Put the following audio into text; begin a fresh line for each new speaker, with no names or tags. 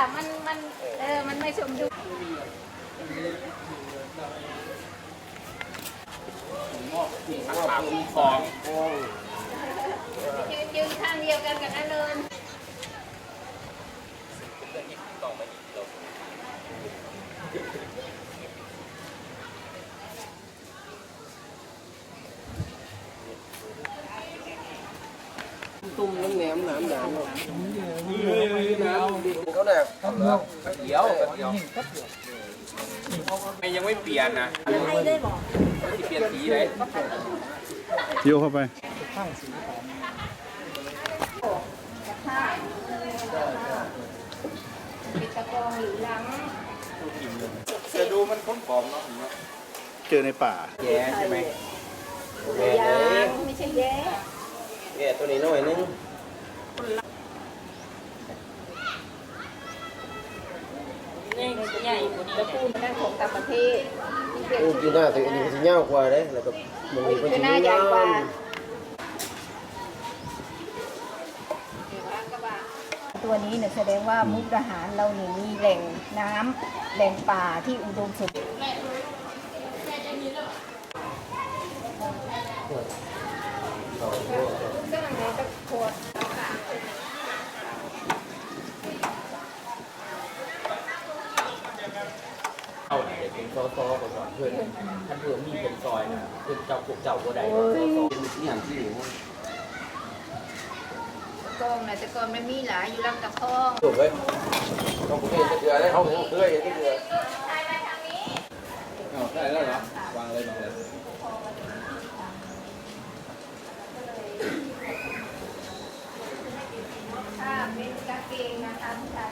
มันมันไม่สมดุล
ของ
ยืนข้างเดียวกันกับนั่นเลย
ตุ้มน้ำแหนมน้ำด่างน้ำดิเขาเนี่ยเดี๋ยว
ยังไม่เปลี่ยนนะ
ให้ได้บอก
ที่เปลี่ยนสีเลย
โยเข้าไป
ปิดตะกองหรือหลัง
จะดูมันค้นของเนาะ
เจอในป่า
แย่ใช่ไหม
ยางไม่ใช่แย่
แย่ตัวนี้หน่อยนึง
นี่ใหญ่กว่านี้ตะปูนั่นของต่างประเทศ
โอ้จีน่าตัวนี้มันจะเงากว่าเลยแล้วก็มันมีเป็น
คือ
ชิ้น
หน้าใหญ่
งาก
ว่าม ตัวนี้เนี่ยแสดงว่ามุกดาหารเราเนี่ยมีแหล่งน้ำแหล่งป่าที่อุดมสมบูรณ์ก็มันเลยตะโขด
เอาเด็กเป็นซอก่อนเพื่อนท่านเพื่อนมีเป็นซอยนะเพื่อนเจ้าพวกเจ้าบัวใดซอนี่อย่างที่อยู่
กองนะแต่ก่อนมันมีหลายอยู่ลำตะคอง
ถูกเลยต้องเพื่อนเดือดได้เขาเพื่อนอย่างที่เดือด
ได้แล้วเหรอวางเลย
ถ้าเป็นกางเกงนะคะผู้ชาย